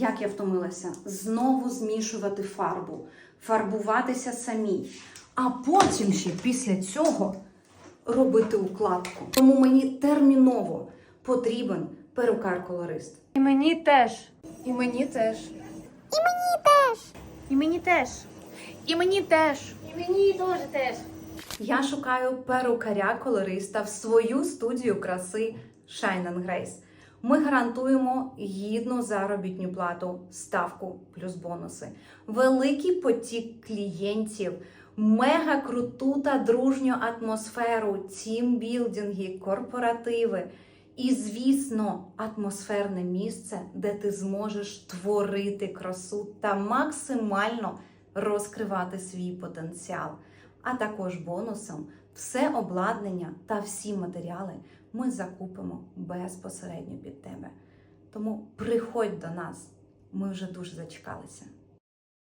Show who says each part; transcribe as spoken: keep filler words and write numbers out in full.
Speaker 1: як я втомилася, знову змішувати фарбу, фарбуватися самій, а потім ще після цього робити укладку. Тому мені терміново потрібен перукар-колорист.
Speaker 2: І мені теж. І мені теж. І мені теж. І мені теж. І мені теж. І мені теж теж.
Speaker 1: Я шукаю перукаря-колориста в свою студію краси Shine and Grace. Ми гарантуємо гідну заробітну плату, ставку плюс бонуси, великий потік клієнтів, мега круту та дружню атмосферу, тімбілдинги, корпоративи і, звісно, атмосферне місце, де ти зможеш творити красу та максимально розкривати свій потенціал. А також бонусом все обладнання та всі матеріали ми закупимо безпосередньо під тебе. Тому приходь до нас, ми вже дуже зачекалися.